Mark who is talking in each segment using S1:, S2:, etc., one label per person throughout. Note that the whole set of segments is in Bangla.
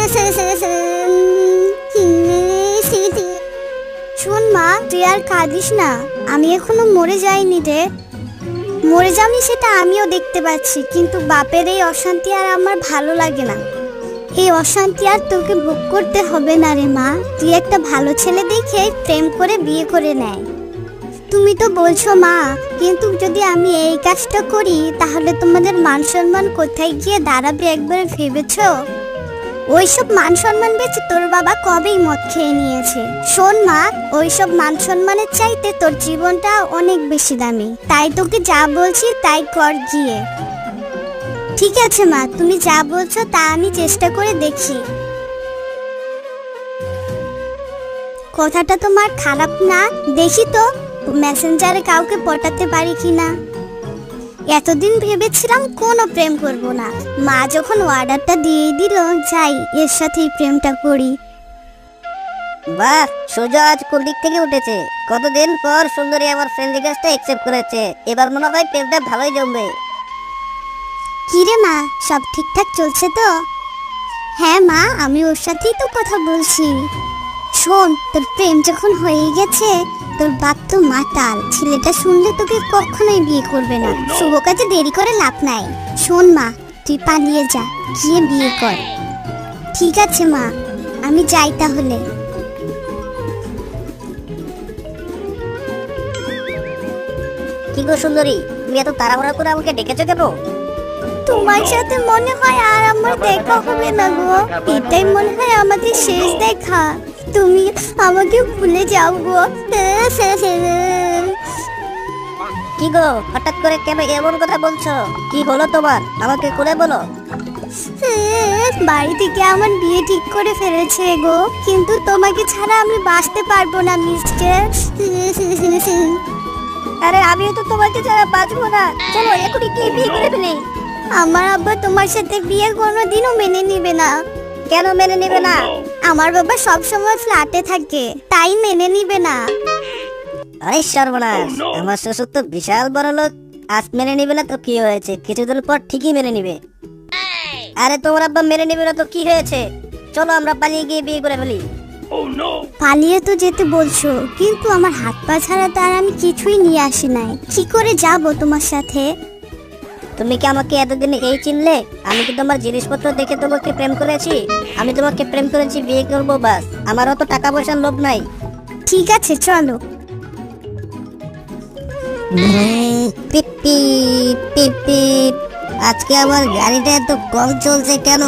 S1: শোন মা, তুই আর কাঁদিস না, আমি এখনো মরে যাইনি রে। মরে যাবি সেটা আমিও দেখতে পাচ্ছি, কিন্তু বাপের এই অশান্তি আর আমার ভালো লাগে না। এই অশান্তি আর তোকে ভোগ করতে হবে না রে মা। তুই একটা ভালো ছেলে দেখে প্রেম করে বিয়ে করে নেয়। তুমি তো বলছো মা, কিন্তু যদি আমি এই কাজটা করি তাহলে তোমাদের মান সম্মান কোথায় গিয়ে দাঁড়াবে একবার ভেবেছো? ওইসব মান সম্মান বেঁচে তোর বাবা কবেই মদ খেয়ে নিয়েছে। শোন মা, ওইসব মান সম্মানের চাইতে তোর জীবনটা অনেক বেশি দামি। তাই তোকে যা বলছি তাই কর গিয়ে। ঠিক আছে মা, তুমি যা বলছো তা আমি চেষ্টা করে দেখি। কথাটা তোমার খারাপ না, দেখি তো মেসেঞ্জারে কাউকে পটাতে পারি কিনা। এতদিন ভেবেছিলাম কোনো প্রেম করব না, মা যখন অর্ডারটা দিয়ে দিল, যাই এর সাথেই প্রেমটা করি।
S2: বাহ, সূর্য আজ কোন দিক থেকে উঠেছে। কতদিন পর সুন্দরী আমার ফ্রেন্ড রিকোয়েস্টটা অ্যাকসেপ্ট করেছে। এবার মনে হয় প্রেমটা ভালোই জমবে।
S1: কিরে মা, সব ঠিকঠাক চলছে তো? হ্যাঁ মা, আমি ওর সাথেই তো কথা বলছি। শোন, তোর প্রেম যখন হয়ে গেছে, তোর বাপ তো মাতাল, ছেলেটা শুনলে তোকে কখনোই বিয়ে করবে না। শুভ কাজে দেরি করে লাভ নাই। শোন মা, তুই পালিয়ে যা, গিয়ে বিয়ে কর। ঠিক আছে মা, আমি যাই তাহলে।
S2: কি গো সুন্দরী, তুমি এত তাড়াহুড়া করে আমাকে ডেকেছো কেন?
S1: তোমার সাথে মনে হয় আর আমার দেখা হবে না গো। এটাই মনে হয় আমাদের শেষ দেখা। তুমি আমাকে ভুলে যাও গো।
S2: কি গো, হঠাৎ করে কেন এমন কথা বলছো? কি হলো তোমার, আমাকে খুলে বলো।
S1: বাড়ি থেকে আমার বিয়ে ঠিক করে ফেলেছে গো, কিন্তু তোমাকে ছাড়া আমি বাঁচতে পারবো না মিস্টার।
S2: আরে আমিও তো তোমাকে ছাড়া বাঁচবো না। চলো এখনই কি বিয়ে করে ফেলি।
S1: আমার আব্বা তোমার সাথে বিয়ে কোনোদিনও মেনে নিবে না।
S2: কেন মেনে নেবে না?
S1: আমার বাবা সব সময় ফ্ল্যাটে থাকে, তাই মেনে নিবে না।
S2: আরে সর্বনাশ, আমার শ্বশুর তো বিশাল বড় লোক। আজ মেনে নিবে না তো কি হয়েছে, কিছুদিন পর ঠিকই মেনে নিবে। আরে তোমার আব্বা মেনে নিবে না তো কি হয়েছে? চলো আমরা পালিয়ে গিয়ে বিয়ে করে ফেলি।
S1: পালিয়ে তো যেতে বলছো, কিন্তু আমার হাত পা ছাড়া তো আর আমি কিছুই নিয়ে আসি নাই। কি করে যাব তোমার সাথে?
S2: তুমি কি আমাকে এতদিন এই চিনলে? আমি কি তোমার জিনিসপত্র দেখে তোমাকে প্রেম করেছি? আমি তোমাকে প্রেম করেছি, বিয়ে করবো বাস। আমারও তো টাকা পয়সার লোভ নাই।
S1: ঠিক আছে চলো।
S2: পিপি পিপি, আজকে আমার গাড়িটা এত কম চলছে কেন?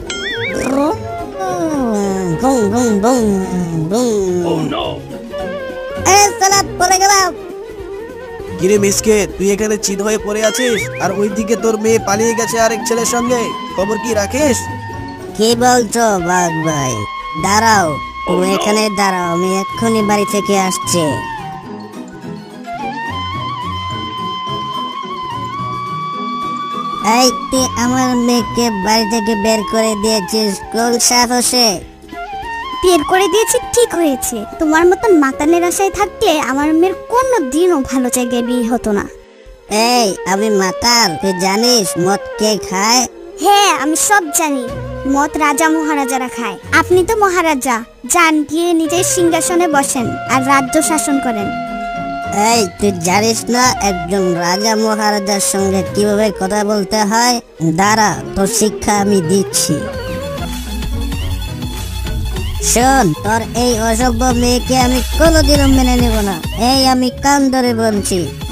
S2: Boom boom boom boom. আরে সালা, পড়ে গেলাম।
S3: কিরে মিসকে, তুই এখানে চিত হয়ে পড়ে আছিস, আর ওইদিকে তোর মেয়ে পালিয়ে গেছে আরেক ছেলের সঙ্গে। খবর কি রাখিস?
S2: কি বলছো বাঘ ভাই? দাঁড়াও, তুমি এখানে দাঁড়াও, আমি এক্ষুনি বাড়ি থেকে আসছি। এই তুই আমার মেয়েকে বাড়ি থেকে বের করে দিয়েছিস কোন সাহসে?
S1: বের করে দিয়েছি ঠিক হয়েছে। তোমার মতন মাতানের আশায় থাকলে আমার মেয়ের কোনো দিনও ভালো জায়গায় বিয়ে হতো না।
S2: এই আমি মাতাল, তুই জানিস মদ কে খায়?
S1: হ্যাঁ, আমি সব জানি। মত রাজা মহারাজারা খায়। আপনি তো মহারাজা, যান গিয়ে নিজের সিংহাসনে বসেন আর রাজ্য শাসন করেন।
S2: এই তুই জানিস না একজন রাজা মহারাজার সঙ্গে কিভাবে কথা বলতে হয়? দাঁড়া, তোর শিক্ষা আমি দিচ্ছি। শোন, তোর এই অসভ্য মেয়েকে আমি কোনোদিনও মেনে নেব না। এই আমি কান ধরে বলছি,